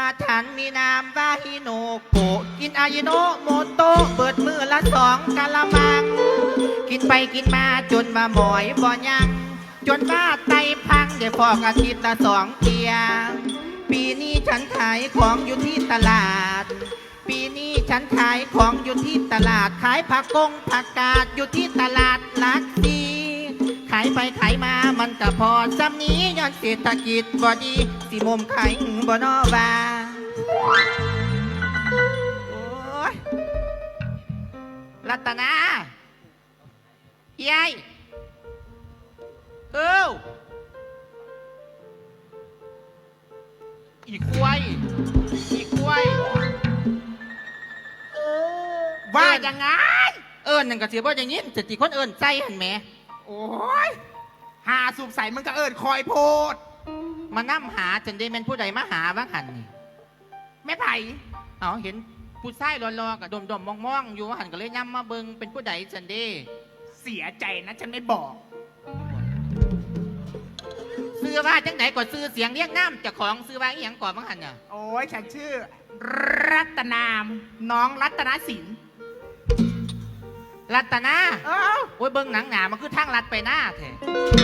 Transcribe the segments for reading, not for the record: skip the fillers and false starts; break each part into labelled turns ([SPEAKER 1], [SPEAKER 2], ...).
[SPEAKER 1] ฉันมีนามว่าฮิโนโกะกินอายิโนโมโตะเปิดมือละ2 กะละมังกินไปกินมาจนมาหมอยบ่ยังจนว่าไตพังได้ฟอกอาทิตย์ละ2 เที่ยปีนี้ฉันขายของอยู่ที่ตลาดปีนี้ฉันขายของอยู่ที่ตลาดขายผักกงผักกาดอยู่ที่ตลาดหลักสี่ขายไปขายมามันก็พอจำนี้ย้อนเศรษฐกิจบ่ดีสิมุมขายบ่นอว่าโอ้ยรัตนาเยัยอีกล้วยว่ายังไงนั่นก็เสียบ่อย่างนี้จะตีคนใจหันแหม
[SPEAKER 2] โอ้ยหาสูบใส่มันก็คอยโพด
[SPEAKER 1] มานั่มหาจนได้เป็นผู้ใดมาหาบ้างหันนี่
[SPEAKER 2] แม่ไผ่
[SPEAKER 1] เห็นผู้ชายรอๆกับดมๆมองๆอยู่หันก็เลยนำมาเบิงเป็นผู้ใดจันเด้
[SPEAKER 2] เสียใจนะฉันไม่บอก
[SPEAKER 1] ซื้อว่าจังไหนก่อนซื้อเสียงเรียกน้ำจากของซื้อว่าอีหยังก่อนบ้างหันเนี่ย
[SPEAKER 2] โอ้ยฉันชื่อรัตนามน้องรัตนศิลป์
[SPEAKER 1] รัตนาโอ้ยเบิ้งหนังหนามันคือทางลัดไปหน้าแท้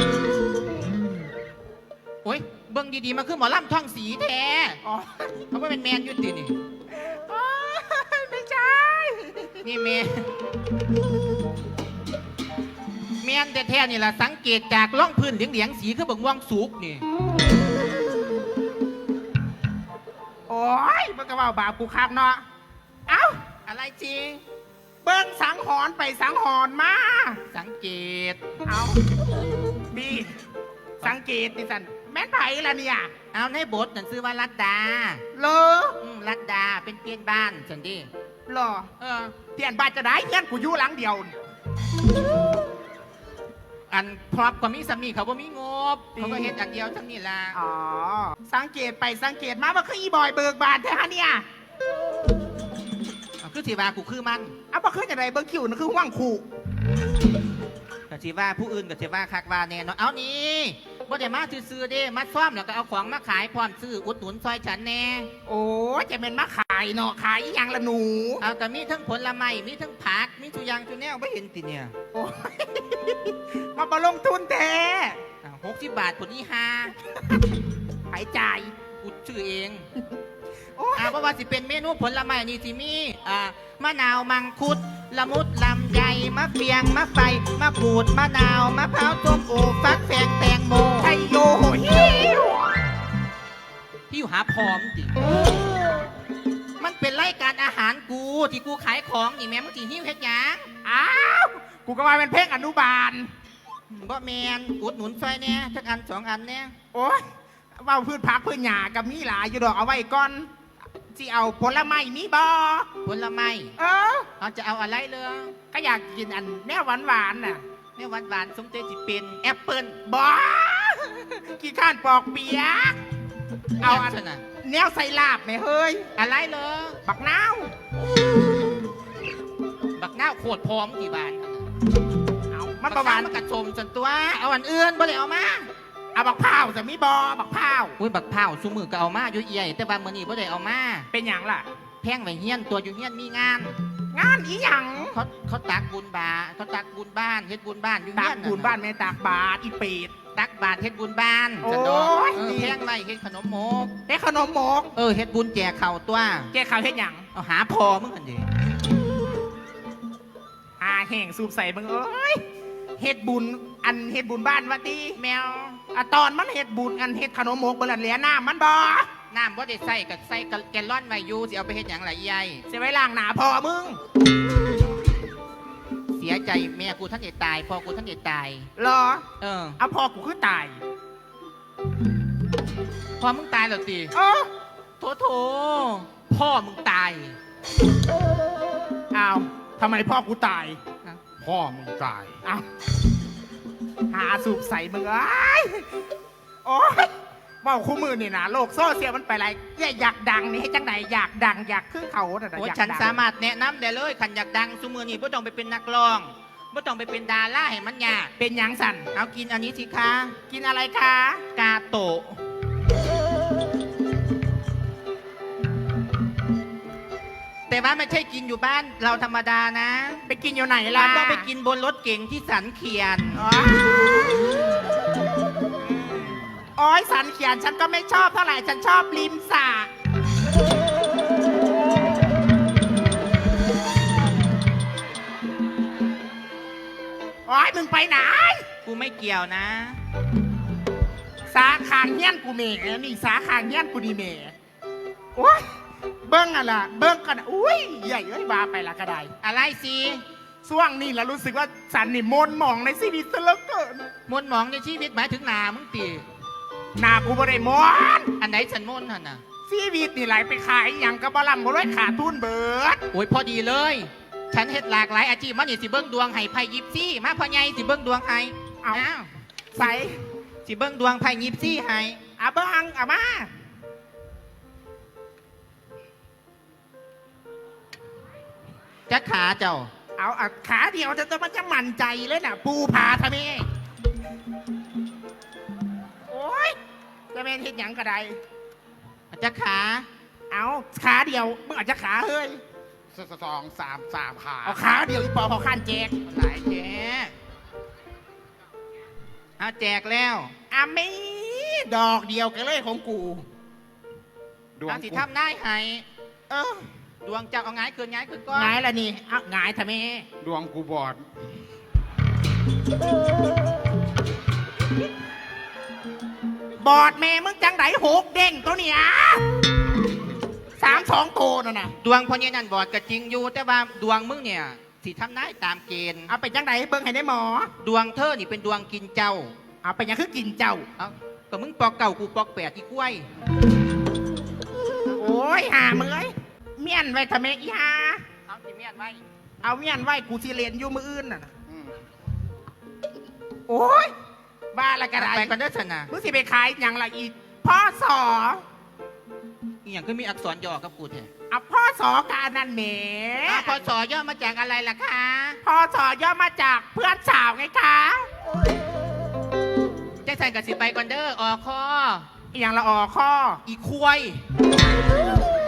[SPEAKER 1] โอ้ยเบิ้งดีๆมันคือหมอลำท่องสีแท้เขาไม่เป็นแมนยุตินี่
[SPEAKER 2] ไม่ใช่
[SPEAKER 1] นี่แมนแท้ๆนี่แหละสังเกตจากล่องพื้นเหลียงๆสีคือบังว่างสุกนี่
[SPEAKER 2] โอ้ยมันก็ว่าบาปกูคักเนาะเอ้า
[SPEAKER 1] อะไรจริง
[SPEAKER 2] เบิ้งสังหรณ์ไปสังหรณ์มา
[SPEAKER 1] สังเกต
[SPEAKER 2] เอาบีสังเกตดิสันแม่นไผ่ละเนี่ย
[SPEAKER 1] เอาในบทนั่นซื้อว่ารัตดา
[SPEAKER 2] เล
[SPEAKER 1] รัตดาเป็นเพี้ยนบ้านฉันดิ
[SPEAKER 2] เหรอเพี้ยนบ้านจะได้เพี้ยนกูอยู่หลังเดียว
[SPEAKER 1] อันพรอบก็มีสามีเขาบ่มีงบเขาก็เห็นอันเดียวทั้งนี้ละ
[SPEAKER 2] สังเกตไปสังเกตมาว่าคืออีบอยเบิกบานแท้เนี่ย
[SPEAKER 1] คือสีว่ากูคือมัน
[SPEAKER 2] บ่คืออย่างไรเบิ้งคิวนั่นคือห่วงขู่
[SPEAKER 1] กับสีว่าผู้อื่นกับสีว่าคักว่าแน่เนาะเอานี่บ่ได้มาซื้อเด้มาซ่อมแล้วก็เอาของมาขายพร้อมซื้ออุดหนุนซอยฉันแน่
[SPEAKER 2] โอ้จะเป็นมาขายเนาะขายอย่างละหนู
[SPEAKER 1] แต่มีทั้งผลไม้มีทั้งผักมีทุกอย่างทุกแนวไม่เห็นติเนี่ย
[SPEAKER 2] โอ้ยมาลงทุนแท้
[SPEAKER 1] 60 บาทผลนี้
[SPEAKER 2] หายใจ
[SPEAKER 1] กูชื่อเองเพราะว่าสิเป็นเมนูผลไม้นี่สิมีมะนาวมังคุดละมุดลำไยมะเฟียงมะไฟมะกรูดมะนาวมะพร้าวส้มโอฟักแฟงแตงโม
[SPEAKER 2] ไทโยฮิว
[SPEAKER 1] ที่อยู่หาพร้อมจิมันเป็นรายการอาหารกูที่กูขายของนี่แม่มึงจีหิ้วเฮ็ดยัง
[SPEAKER 2] กูก็ว่าเป็นเพลงอนุบาล
[SPEAKER 1] บ่แมนอุดหนุนซอยเนี่ยสักอัน2 อันเนี่ย
[SPEAKER 2] โอ้ยว่าพืชผักพืชหญ้ากับมีหลายอยู่ดอกเอาไว้ก่อนที่เอาผลไม้มีบ่
[SPEAKER 1] ผลไม้เอาจะเอาอะไรเลย
[SPEAKER 2] ก็อยากกินอันแนวหวานน่ะ
[SPEAKER 1] แนวหวานสมเด็จจิเป็นแอปเปิ้ล
[SPEAKER 2] บ่กี่ข้านปอกเปียกเอาอันน่ะแนวใส่ลาบไหมเฮ้ย
[SPEAKER 1] อะไรเลย
[SPEAKER 2] บักนาว
[SPEAKER 1] โคตรพร้อมกี่บาท
[SPEAKER 2] เอามันประมาณ
[SPEAKER 1] มันกระชมจนตัวเอาอันอื่นบ่เลยเอามา
[SPEAKER 2] เอาบักพร้าวจะมีบอบักพร้าว
[SPEAKER 1] อุ้ยบักพร้าวซุมือก็เอามาอยู่เอี่ยแต่บางมื้อนี้บ่ได้เอามา
[SPEAKER 2] เป็นหยังล่ะ
[SPEAKER 1] แพงไว้เฮียนตัวอยู่เฮียนมีงาน
[SPEAKER 2] อีหยัง
[SPEAKER 1] เขาตักบุญบาเขาตักบุญบ้านเฮ็ดบุญบ้านอยู่เฮียน
[SPEAKER 2] ตักบุญบ้านแม่ตักบาตรอีเป็ด
[SPEAKER 1] ตักบาตรเฮ็ดบุญบ้าน
[SPEAKER 2] โอ้ย
[SPEAKER 1] แพงไว้เฮ็ดขนมหมก
[SPEAKER 2] เ
[SPEAKER 1] ฮ็ดบุญแจกข้าวตัว
[SPEAKER 2] แจกข้าวเฮ็ดหยัง
[SPEAKER 1] เอาหาพอมึงกันดิ
[SPEAKER 2] แห้งสูบใส่มึงเอ้ยเฮ็ดบุญบ้านวัดดี
[SPEAKER 1] แมว
[SPEAKER 2] ตอนมันเฮ็ดบุญอันเฮ็ดขนมหมกบลันเหลียน้ำมันบ่
[SPEAKER 1] น้ำบ่ได้ใส่กับแกลลอนไว้อยู่สิเอาไปเฮ็ดหยังล่ะใหญ่
[SPEAKER 2] เสียไว้ล้างหน้าพ่อมึง
[SPEAKER 1] เสียใจแม่กูท่านจะตายพ่อกูท่านจะตาย
[SPEAKER 2] เหรอเอาพ่อกูคือตาย
[SPEAKER 1] พ่อมึงตายแล้วสิโถพ่อมึงตาย
[SPEAKER 2] อ้าวทำไมพ่อกูตาย
[SPEAKER 1] พ่อมึงตาย
[SPEAKER 2] อ้าวหาสูบใส่มึงโอ้ยว่าคู่มือนี่นะโลกโซเชียลมันไปอะไรอยากดังนี่ให้จังไหนอยากดังอยากขึ้นเขา
[SPEAKER 1] โอ้ฉันสามารถแนะนำได้เลยขันอยากดังซุมือนี่ไม่ต้องไปเป็นนักร้องไม่ต้องไปเป็นดาราให้มันยาก
[SPEAKER 2] เป็นยังสัน
[SPEAKER 1] เอากินอันนี้สิคะ
[SPEAKER 2] กินอะไรคะ
[SPEAKER 1] กาโตะแต่ว่าไม่ใช่กินอยู่บ้านเราธรรมดานะ
[SPEAKER 2] ไปกินอยู่ไหน
[SPEAKER 1] เรา
[SPEAKER 2] ล่ะ
[SPEAKER 1] ต้องไปกินบนรถเก๋งที่สันเขียน
[SPEAKER 2] อ๋อโอ้ยสันเขียนฉันก็ไม่ชอบเท่าไหร่ฉันชอบริมสระโอ้ยมึงไปไหน
[SPEAKER 1] กูไม่เกี่ยวนะ
[SPEAKER 2] สาขางเงี้ยนกูเมนี่สาขางเงี้ยนกูดีเมโอ้ยเบิ้งอะล่ะเบิ้งกันอุ้ยใหญ่เอ้ยบาไปละก็ได้
[SPEAKER 1] อะไรสิ
[SPEAKER 2] ช่วงนี้แล้วรู้สึกว่าสันนี่มนต์หมองในชีวิตซะเหลือเกิน
[SPEAKER 1] มนต์หมองในชีวิตหมายถึงหนามึงตี
[SPEAKER 2] หน้ากูบ่ได้มนต์
[SPEAKER 1] อันไหนฉันมนต์น่ะนะ
[SPEAKER 2] ชีวิตนี่ไหลไปขายอย่างกระบะลำบ่ร้อยขาดทุนเบิด
[SPEAKER 1] โอ้ยพอดีเลย ฉันเฮ็ดหลากหลายอาชีพมันนี่สิเบิ้งดวงให้ไพ่ยิปซี่มาพ่อใหญ่สิเบิ้งดวงให้
[SPEAKER 2] เอา
[SPEAKER 1] อ้าว
[SPEAKER 2] ใส่
[SPEAKER 1] สิเบิ้งดวงไพ่ยิปซี่ให้
[SPEAKER 2] อาเบิ้งอามา
[SPEAKER 1] จะขาเจ้า
[SPEAKER 2] เอาขาเดียวจะมันจะมั่นใจเลยน่ะ ปูผาทำไมโอ้ยจะเป็นเห็นหยังก็ได้
[SPEAKER 1] จะขา
[SPEAKER 2] เอาขาเดียวมึงอาจจะขาเฮ้ย
[SPEAKER 3] สองสามขา
[SPEAKER 2] เอาขาเดียวอีปอพอขั้นแจก
[SPEAKER 1] หลายแจกเอาแจกแล้ว
[SPEAKER 2] อามีดอกเดียวกันเลยของกู
[SPEAKER 3] ดวง
[SPEAKER 1] เอาสิ
[SPEAKER 3] กู
[SPEAKER 1] ทำได้ให้
[SPEAKER 2] เออ
[SPEAKER 1] ดวงเจ้าเอาไงายขึ้นไงายขึ้นก่อน
[SPEAKER 2] ไงายละนี่เอาไงายทำไม
[SPEAKER 3] ดวงกูบอด
[SPEAKER 2] บอดแม่มึงจังไดหกเด้งตัวเนี้ย3-2ตัวน่ะนะ
[SPEAKER 1] ดวงพ่อเนี่ยนั่นบอดก็จริงอยู่ แต่ว่าดวงมึงเนี่ยสิทำได้ตามเกณฑ์
[SPEAKER 2] เอาไปจังไดเบิ่งให้ได้หมอ
[SPEAKER 1] ดวงเธอนี่เป็นดวงกินเจ้า
[SPEAKER 2] เอาไปยังคือกินเจ้า
[SPEAKER 1] เอาก็มึงปอกเก่ากูปอกแปดอีกล้วย
[SPEAKER 2] โอ้ยหามึงเอ้ยเมียนไว้ทำไมอีหา
[SPEAKER 1] เอาสิเมียนไว้
[SPEAKER 2] เอาเมียนไว้กูสิเรียนอยู่มืออื่นน่ะนะ
[SPEAKER 3] อืม
[SPEAKER 2] โอ้ยบ้าละกระไร
[SPEAKER 1] ไปก่อนเด้อสนะ
[SPEAKER 2] มึงสิไปขายอย่างละอีพ่อสอ
[SPEAKER 1] อีหยังก็มีอักษรย่อกับกูแท้
[SPEAKER 2] เอาพ่อสอการนั่นแหม
[SPEAKER 1] อ้าวพอสอย่อมาจากอะไรล่ะคะ
[SPEAKER 2] พ่อสอย่อมาจากเพื่อนสาวไงคะ
[SPEAKER 1] แจ็คสันกับสิไปก่อนเด้อออคอ
[SPEAKER 2] อหย่างละออข้อ
[SPEAKER 1] อีควาย